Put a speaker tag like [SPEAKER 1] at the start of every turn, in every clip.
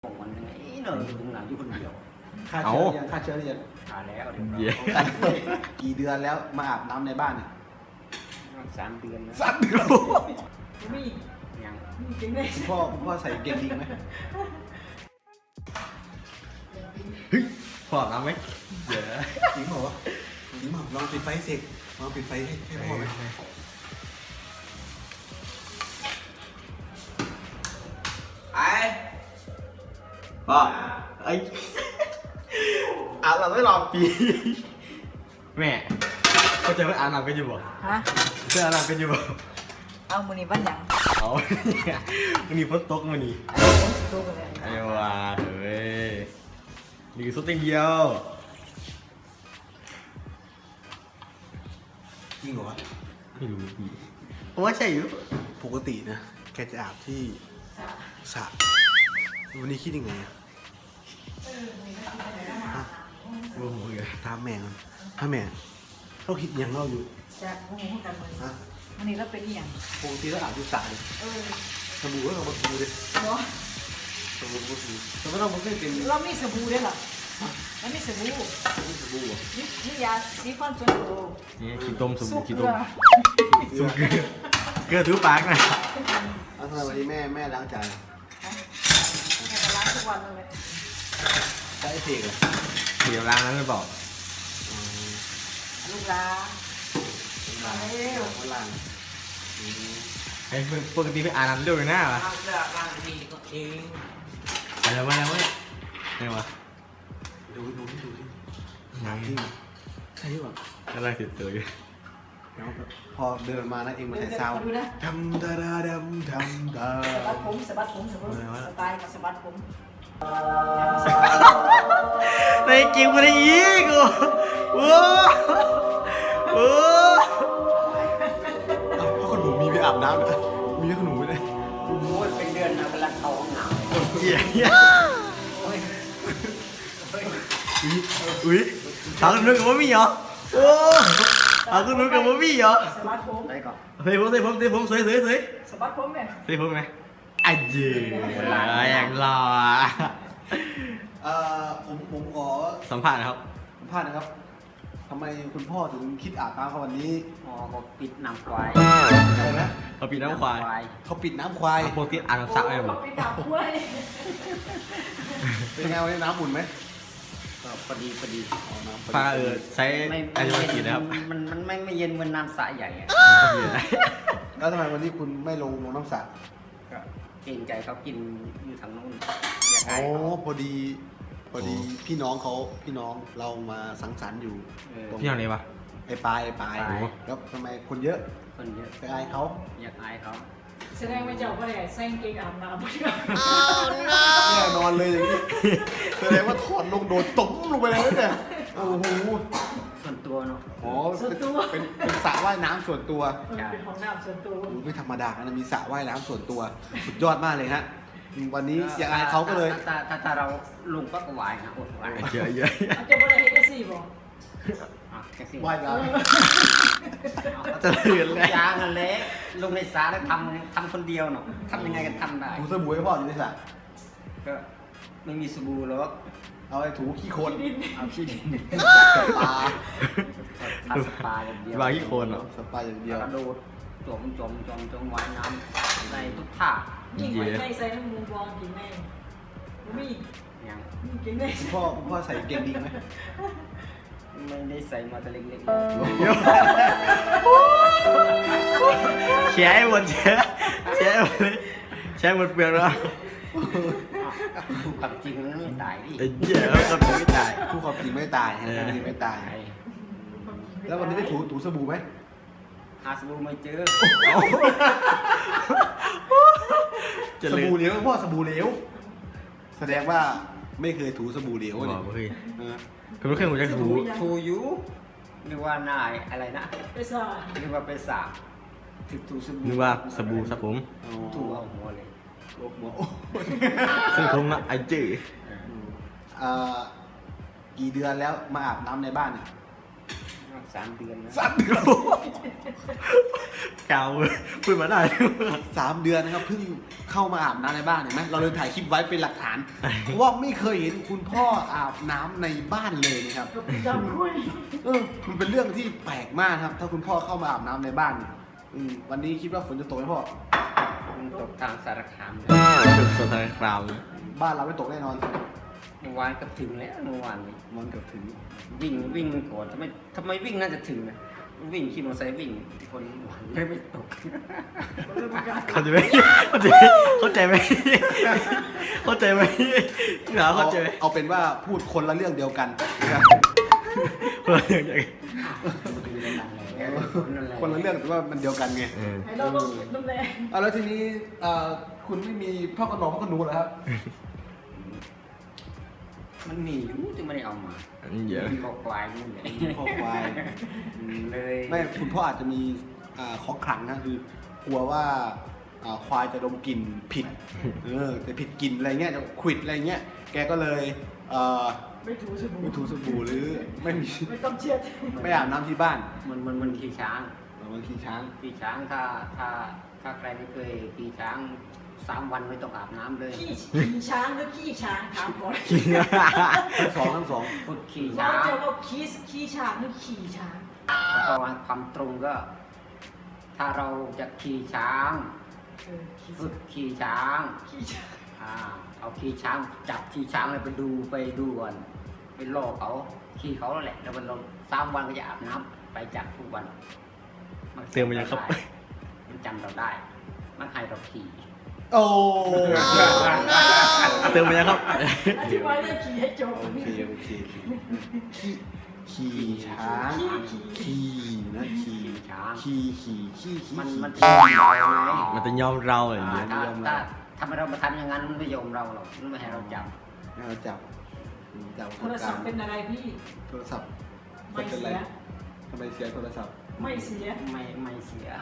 [SPEAKER 1] ของมันยังไงเนอะอยู่ตรงหลังอยู่คนเดียว
[SPEAKER 2] ค่าเชื้อยังค่าเชื้อเรียน
[SPEAKER 1] หาแล้วเดี๋ยว
[SPEAKER 3] เย้
[SPEAKER 2] กี่เดือนแล้วมาอาบน้ำในบ้านเนี่ย
[SPEAKER 1] 3 เดือนแล้ว
[SPEAKER 2] 3 เดือน
[SPEAKER 4] มี
[SPEAKER 1] ยัง
[SPEAKER 4] มีจริงเลย
[SPEAKER 2] คุณพ่อใส่เกงดีไหม
[SPEAKER 3] เฮ้ยพออาบน้ำไหมเดี๋ยว
[SPEAKER 2] จริงเปล่าวะจริงเปล่าลองปิดไฟเสกลองปิดไฟให้พ่อไหมพ่อไอ้อาบน้ำไม่รอปี
[SPEAKER 3] แม่เขาจะไปอาบน้ำกันอยู่บ่
[SPEAKER 4] ฮะ
[SPEAKER 3] จะอาบน้ำกันอยู่บ่
[SPEAKER 4] เอามือนี้บ้านหยัง
[SPEAKER 3] เอามันมีฝนตกมันนี่
[SPEAKER 4] อันนี้ผมสิดูกันเลย
[SPEAKER 3] ไอ้ว่าเฮ้ยนี่คือสุดเดียว
[SPEAKER 2] จริงเหรอวะ
[SPEAKER 3] ไม่รู้พี่ผมว่าใช่อยู่
[SPEAKER 2] ปกตินะแกจะอาบที่สระวันนี้คิดยังไงอะฮะ
[SPEAKER 3] โอ้โหเลย
[SPEAKER 2] ถามแม่กันถ้าแม่เขาคิดยังเล่าอยู่
[SPEAKER 4] จากโมโหกันมือ
[SPEAKER 2] ฮะ
[SPEAKER 4] วันนี้เราเป็นอีหยัง
[SPEAKER 2] ปกติแล้วอาบที่สระเลย
[SPEAKER 4] เออ
[SPEAKER 2] สบู่ก็เอามาถูเลย
[SPEAKER 4] เนาะ
[SPEAKER 2] สบู่ก็ถูแต่ไม่ต้องมันไม่เป็น
[SPEAKER 4] เรามีสบู่ด้วยเหรอแล้วมีสบู่
[SPEAKER 2] สบู่อ่ะ
[SPEAKER 4] นี่ยาสีฟันส่วนตัว
[SPEAKER 3] นี่ขี้ต้มส
[SPEAKER 4] สุ
[SPEAKER 3] บู่
[SPEAKER 4] ก
[SPEAKER 3] ขี้
[SPEAKER 4] เกลื
[SPEAKER 3] ต้
[SPEAKER 4] อ
[SPEAKER 3] มสุกเกลือถูปากนะ
[SPEAKER 2] แล้วทำไมวันนี้แม่ล้างจาน
[SPEAKER 4] แม่ก็ล้างทุกวันเลย
[SPEAKER 2] ใช้เสกเหรอ
[SPEAKER 3] เดี๋ยวล้างนั้นหรือเปล่า
[SPEAKER 4] ลูกล้างมาเร็ว
[SPEAKER 2] ล้าง
[SPEAKER 3] ไอ้ปกติไปอาบน้ำเร็วเลยนะวะ
[SPEAKER 1] ล้างเสื้อล้างนี่ก็เอง
[SPEAKER 3] อะไรวะเนี่ยไงวะ
[SPEAKER 2] ดูที่
[SPEAKER 3] ยัง
[SPEAKER 2] จริงใช่ป่ะ
[SPEAKER 3] กำลังติดตัวอยู่
[SPEAKER 2] แล้วพอเดินมานะเองมาใส่ซาว
[SPEAKER 4] ดูนะ
[SPEAKER 2] ดำดาดาดำดำดา
[SPEAKER 4] สะบัดผมสะบัดผมสะบัดสไตล์กับสะบัดผม
[SPEAKER 3] ในเกมมันอีกโอ้โห
[SPEAKER 2] เพราะขนมมีไปอาบน้ำนะมีขนมไปเลย
[SPEAKER 1] โอ้ยเป็นเดือนนะเวลาเข้าห้องน้ำ
[SPEAKER 3] เหี้ย
[SPEAKER 1] โอ้ยเฮ้ย
[SPEAKER 3] อุ้ยทางนู้นกับบ่มีเหรอโอ้ทางนู้นกับบ่มีเหรอ
[SPEAKER 4] สะบัดผม
[SPEAKER 1] ได้ก่อน
[SPEAKER 3] เฮ้ยผมสวย
[SPEAKER 4] สะบัดผมเนี่ย
[SPEAKER 3] เฮ้ยผมไหมอ่ะเจ๋อย่างหล่อ
[SPEAKER 2] ผมขอ
[SPEAKER 3] สัมภาษณ์นะครับ
[SPEAKER 2] สัมภาษณ์นะครับทำไมคุณพ่อถึงคิดอาบน้ำเขาวันนี้
[SPEAKER 1] อ๋อก็ปิดน้ำควาย
[SPEAKER 2] อะไรนะ
[SPEAKER 3] เราปีน้ำควาย
[SPEAKER 2] เขาปิดน้ำควาย
[SPEAKER 3] ปกติอ่านน้ำซักไหมผม
[SPEAKER 4] ไปดับกล้วย
[SPEAKER 2] เป็นไงวันนี้น้ำอุ่นไหม
[SPEAKER 1] ก็พอดี
[SPEAKER 2] อ๋อน้ำ
[SPEAKER 3] ปลาใช้
[SPEAKER 1] ไม่
[SPEAKER 3] อายุกี่นะครับ
[SPEAKER 1] มันไม่เย็นเหมือนน้ำสระใหญ่อะ
[SPEAKER 2] แล้วทำไมวันนี้คุณไม่ลงน้ำสระ
[SPEAKER 1] ก็เกรงใจเขากินอยู่ทางนู้นอยาก
[SPEAKER 2] อ๋
[SPEAKER 1] ให้
[SPEAKER 2] อ
[SPEAKER 1] เขา
[SPEAKER 2] พอดีพี่น้องเรามาสังสรรค์อยู่ ตรง
[SPEAKER 3] พี่ทำอะไรปะ
[SPEAKER 2] ไอ้ปลายแล้วทำไมคนเยอะ
[SPEAKER 1] คนเยอะ
[SPEAKER 2] ไปอายเขา
[SPEAKER 1] อยากอายเขา
[SPEAKER 4] แสดงว่าเจ้าก็ได้ใส่กางเกงอาบน้ำ
[SPEAKER 2] แน่นอนเลยอย่างนี้แสดงว่าถอดลงโดดตุ้มลงไปเลยเนี่ยโอ้โห
[SPEAKER 1] ส่วนตัวเนาะ
[SPEAKER 2] อ๋อเป็นสระว่ายน้ำส่วนตัว
[SPEAKER 4] มันเป็นของน้ำส่วนตัว
[SPEAKER 2] โอ้โหไม่ธรรมดานะมีสระว่ายน้ำส่วนตัวสุดยอดมากเลยฮะวันนี้อยากอายเขาก็เลย
[SPEAKER 1] ถ้าเราลงก็ไหวนะอดไหว
[SPEAKER 3] เยอะ
[SPEAKER 4] อาจจะบ่ได้เฮ็ดได้สิบ่
[SPEAKER 1] แค่สิ
[SPEAKER 2] ว่ายน้
[SPEAKER 3] จะเลือนเลย
[SPEAKER 1] ยางกันเละลงในสระแล้วทำคนเดียวเนาะทำยังไงกันทำได้
[SPEAKER 2] ำถูสบู่ให้พ่ออยู่ในสระ
[SPEAKER 1] ก็ไม่มีสบู่หรอก
[SPEAKER 2] เอาไอ้ถูขี้โคลน
[SPEAKER 1] เอาขี้ดิน
[SPEAKER 2] สปา
[SPEAKER 1] ทาสปาอย่างเดียว
[SPEAKER 3] วางที่โคนเหรอ
[SPEAKER 2] สปาอย่างเดี
[SPEAKER 1] เดี๋
[SPEAKER 2] ย
[SPEAKER 1] ยว วกระโดดจมว่ายน้ำในทุกท่า
[SPEAKER 4] ยิ่งไว้ใจใส่น้ำมูบองกินแม่งบ่มี
[SPEAKER 1] อย่าง
[SPEAKER 4] มีกินได้
[SPEAKER 2] คุณพ่อใส่เกงดีไหม
[SPEAKER 1] ไม่ได้ใส่มาแต่เล็ก
[SPEAKER 3] แชร์ให้หมดแชร์ให้หมดเลยแชร์หมดเปลือกแล้ว
[SPEAKER 1] ๆถูกกับจริงมันไม่ตายดิ
[SPEAKER 3] ไอ้เหี้ยก็ไม่ตาย
[SPEAKER 2] ผู้ความจริงไม่ตายฮะความจริงไม่ตาย แล้ววันนี้ได้ถูสบู่ไหม
[SPEAKER 1] หาสบู่ไม่เจอ
[SPEAKER 3] จะ
[SPEAKER 2] ส
[SPEAKER 3] ลื
[SPEAKER 2] บู่
[SPEAKER 3] ม
[SPEAKER 2] เหลวพ่อสบู่เหลวแสดงว่าไม่เคยถูสบู่เหลว
[SPEAKER 3] บ
[SPEAKER 2] เนี่
[SPEAKER 3] อย กเฮ้ย
[SPEAKER 2] เออ
[SPEAKER 3] คุณรู้แค่หัวใจถู
[SPEAKER 1] ทูยูนึกว่านายอะไรนะ
[SPEAKER 4] ไปซ่า
[SPEAKER 1] นึกว่าเป็นสาถึกถูสบู่
[SPEAKER 3] นึกว่าสบู่สับผม
[SPEAKER 1] ถูเอาหัวเลย
[SPEAKER 2] โอ้โห
[SPEAKER 3] ซึ่งผมอะไอ้จื้อ
[SPEAKER 2] กี่เดือนแล้วมาอาบน้ำในบ้านเนี่ย
[SPEAKER 1] 3 เดือนนะ
[SPEAKER 2] 3 เดือน
[SPEAKER 3] กาวพูดมาได้
[SPEAKER 2] 3 เดือนนะครับเพิ่งเข้ามาอาบน้ำในบ้านเห็นไหมเราเลยถ่ายคลิปไว้เป็นหลักฐานเพราะว่าไม่เคยเห็นคุณพ่ออาบน้ำในบ้านเลยนะครับ
[SPEAKER 4] ก็จำคุย
[SPEAKER 2] มันเป็นเรื่องที่แปลกมากครับ ถ้าคุณพ่อเข้ามาอาบน้ำในบ้านเนี่ยวันนี้คิดว่าฝนจะตกไหมพ่อ
[SPEAKER 1] มันตกทางสารคาม
[SPEAKER 3] เป็นสถานกราว
[SPEAKER 2] บ้านเราไม่ตกแน่นอน
[SPEAKER 1] เมื่อวานก็ถึงแล้วเมื่อวานนี้
[SPEAKER 2] มันเกือบถึง
[SPEAKER 1] วิ่งก่อนทำไมวิ่งน่าจะถึงนะวิ่งขี่มอเตอร์ไซค์วิ่งคนหวานไม่ตก
[SPEAKER 3] เข้าใจไหมเข้าใจไหมเข้าใจไหมหนาเข้าใจไหม
[SPEAKER 2] เอาเป็นว่าพูดคนละเรื่องเดียวกันนะครับ
[SPEAKER 3] คนละอย่าง
[SPEAKER 2] คนละเรื่องแต่ว่ามันเดียวกันไง
[SPEAKER 4] ให้เราต้องน้ำแดง
[SPEAKER 2] เอาแล้วทีนี้คุณไม่มีพ่อขนมพ่อขนูเหรอครับ
[SPEAKER 1] มันมีอยู่ที่ไม่ได้เอามา
[SPEAKER 3] เยอะ
[SPEAKER 1] มีคอควายนู่นเลย
[SPEAKER 2] พ่อควาย
[SPEAKER 1] เลย
[SPEAKER 2] ไม่คุณพ่ออาจจะมีของขลังนะคือกลัวว่าควายจะดมกลิ่นผิดแต่ผิดกลิ่นอะไรเงี้ยจะขวิดอะไรเงี้ยแกก็เลย
[SPEAKER 4] ไม่ถูสบู่
[SPEAKER 2] ไม่ถูสบู่หรือไม่มี
[SPEAKER 4] ไม่ต้องเช็ด
[SPEAKER 2] ไม่อาบน้ำที่บ้าน
[SPEAKER 1] มันขี่ช้าง
[SPEAKER 2] บางทีช้าง
[SPEAKER 1] ขี่ช้างถ้าใครไม่เคยขี่ช้าง3 วันไม่ต้องอาบน้ำเลย
[SPEAKER 4] ขี่ช้างหรือขี้ช้างถามก่อน
[SPEAKER 2] ทั้งสอง
[SPEAKER 1] ฝึกขี่
[SPEAKER 4] เรา
[SPEAKER 1] ช้าง
[SPEAKER 4] จะว่าขี้ช้างหรือขี่ช้าง
[SPEAKER 1] เพราะว่าความตรงก็ ถ้าเราจะขี่ช้าง ฝึกขี่ช้าง
[SPEAKER 4] ขี้ช้าง
[SPEAKER 1] เอาขี่ช้างจับขี่ช้างเลยไปดูก่อนไปล่อเขาขี่เขาแล้วแหละแล้วมันลง3 วันก็จะอาบน้ำไปจับทุกวัน
[SPEAKER 3] เตือนมันยังครับ
[SPEAKER 1] มันจำเราได้ มันให้เราขี่
[SPEAKER 2] โอ้
[SPEAKER 3] เติมไปยังครับ
[SPEAKER 4] อธิบายเรื่องขี่ให้จบ
[SPEAKER 2] โอเคขี่ช้างขี่นะขี่
[SPEAKER 1] ช้าง
[SPEAKER 2] ขี่
[SPEAKER 1] มัน
[SPEAKER 2] ขี่
[SPEAKER 1] เราไง
[SPEAKER 3] มันจะยอมเราอย่างเงี้ย
[SPEAKER 1] ถ้าเรามาทำอย่างนั้นมันไม่ยอมเราหรอกมันไม่ให้เราจับ
[SPEAKER 2] ให้เราจับ
[SPEAKER 4] โทรศัพท์เป็นอะไรพี่
[SPEAKER 2] โทรศัพท์
[SPEAKER 4] ไม่
[SPEAKER 2] เป็น
[SPEAKER 4] เสี
[SPEAKER 2] ไร
[SPEAKER 4] ย
[SPEAKER 2] ทำไมเสียโทรศัพท์
[SPEAKER 4] ไม่เสีย
[SPEAKER 1] ไม่เสีย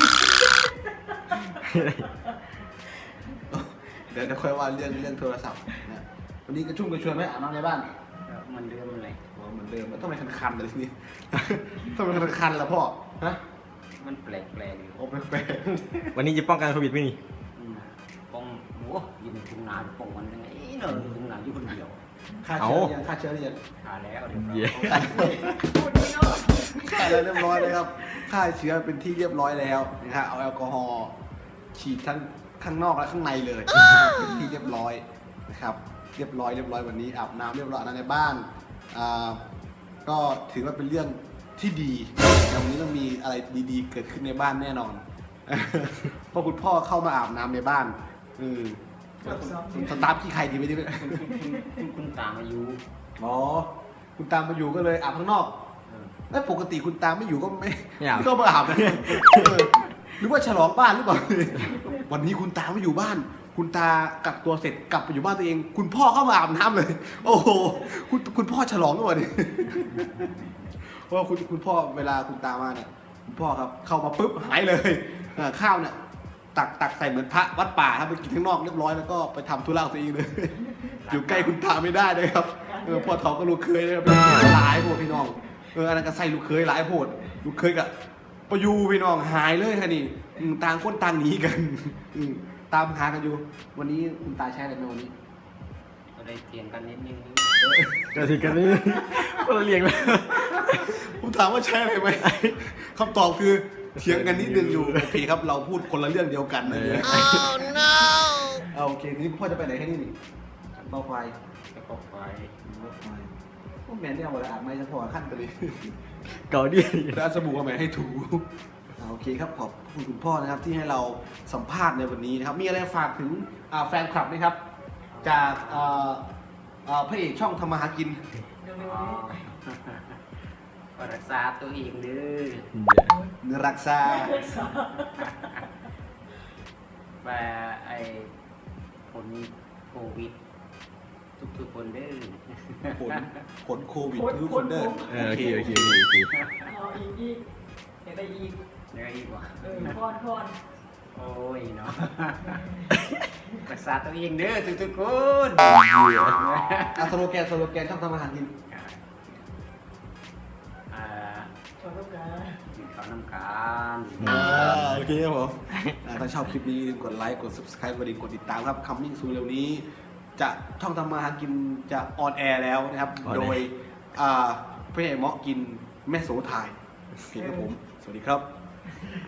[SPEAKER 2] เดี๋ยวค่อยว่าเรื่องโทรศัพท์นะวันนี้กระชุ่มกระชวยไหมอาบน้ำในบ้าน
[SPEAKER 1] มันเดิมมันเลย
[SPEAKER 2] อ๋อเหมือนเดิมแล้วทำไมคันๆเลยทีนี้ทำไมคันๆล่ะพ่อฮะ
[SPEAKER 1] มันแปลกอยู่
[SPEAKER 2] โอ้แปลก
[SPEAKER 3] วันนี้จะป้องกันโควิดไหมนี่
[SPEAKER 1] ปองโอ้ยิงทุ่งนาปองมันยังไงเนอะทุ่งนาอยู่คนเดียว
[SPEAKER 2] ๆค่าเชื้อยังค่าเชื้อยัง
[SPEAKER 1] ขาแล้วเดี๋ยว
[SPEAKER 3] เย้
[SPEAKER 4] พูดนี่เนาะ
[SPEAKER 2] ค่าแล้วเรียบร้อยเลยครับค่าเชื้อเป็นที่เรียบร้อยแล้วนะครับเอาแอลกอฮอล์ฉีดทั้งข้างนอกและข้างในเลยเป็นที่เรียบร้อยนะครับเรียบร้อยวันนี้อาบน้ำเรียบร้อยในบ้านก็ถือว่าเป็นเรื่องที่ดีวันนี้ต้องมีอะไรดีๆ เกิดขึ้นในบ้านแน่นอน เพราะคุณพ่อเข้ามาอาบน้ำในบ้านสตาร์ทที่ใครดีไม่ดีไหม
[SPEAKER 1] คุณตามอายุ
[SPEAKER 2] อ๋อคุณตามมาอยู่ก็เลยอาบข้างนอกแล้วปกติคุณตามไม่อยู่ก็ไม่ก็มาอาบนะหรือว่าฉลองบ้านหรือเปล่า วันนี้คุณตาไม่อยู่บ้าน คุณตากักตัวเสร็จกลับไปอยู่บ้านตัวเอง คุณพ่อเข้ามาอาบน้ำเลย โอ้โหคุณพ่อฉลองหรือเปล่าเนี่ยเพราะว่าคุณพ่อเวลาคุณตามาเนี่ยคุณพ่อครับเข้ามาปุ๊บหายเลยข้าวเนี่ยตักใส่เหมือนพระวัดป่าครับไปกินข้างนอกเรียบร้อยแล้วก็ไปทำธุระตัวเองเลย อยู่ใกล้คุณตาไม่ได้เลยครับพ่อเฒ่าก็ลูกเคยเลยครับหลายโพดพี่น้องอันนั้นก็ใส่ลูกเคยหลายโพดลูกเคยกับปยูพี่น้องหายเลยค่ะนี่ต่างคนต่างหนีกันตามหากันอยู่ วันนี้คุณตาใช้อะไรไหมวันนี้
[SPEAKER 1] ก็ได้เถียงกันนิดนึง
[SPEAKER 3] ก็ทีกันนี่คนละเรียงเลย
[SPEAKER 2] ผมถามว่าใช้อะไรไหมคำตอบคือเถียงกันนิดนึงอยู่โอเคครับเราพูดคนละเรื่องเดียวกันนะเนี่ยโอเคทีนี้พ่อจะไปไหนแค่นี้นี่เบาไฟ
[SPEAKER 1] แล้วก็ไฟ
[SPEAKER 2] พวกแมนเนี่ยเอาอะไรอาบไม่จะพอขั้นไปเลย
[SPEAKER 3] เก่าดิ
[SPEAKER 2] แล้วเอาสบู่มาไหมให้ถูโอเคครับขอบคุณพ่อนะครับที่ให้เราสัมภาษณ์ในวันนี้นะครับมีอะไรฝากถึงแฟนคลับไหมครับ จากพระเอกช่องทำมาหากิน
[SPEAKER 4] เดี๋ยว
[SPEAKER 1] อ๋อก็รักษาตัวเองเด้อ
[SPEAKER 2] รักษา
[SPEAKER 1] ว่าไอ้ผลโควิดทุกคนเด้อ
[SPEAKER 2] ผลโควิดทุกคนเด้อ
[SPEAKER 3] โอเค
[SPEAKER 4] เอาอีกเห็นอะไรอีก
[SPEAKER 1] เดี๋ยวอีกว่า
[SPEAKER 4] พอน
[SPEAKER 1] โอ้ยเนาะ รักษาตัวเองเด้อทุกคน
[SPEAKER 2] สโลแกนช่องทำมาหากิน
[SPEAKER 1] อ่า
[SPEAKER 4] โช
[SPEAKER 1] น้ำกัน
[SPEAKER 2] โอเคครับผมถ้าชอบคลิปนี้กดไลค์กด subscribe กดติดตามครับ coming soon เร็วนี้ จะช่องทำมาหากินจะออนแอร์แล้วนะครับ โดยพี่ใหญ่เหมาะกินแม่โสถ่ายโอเคครับผม สวัสดีครับ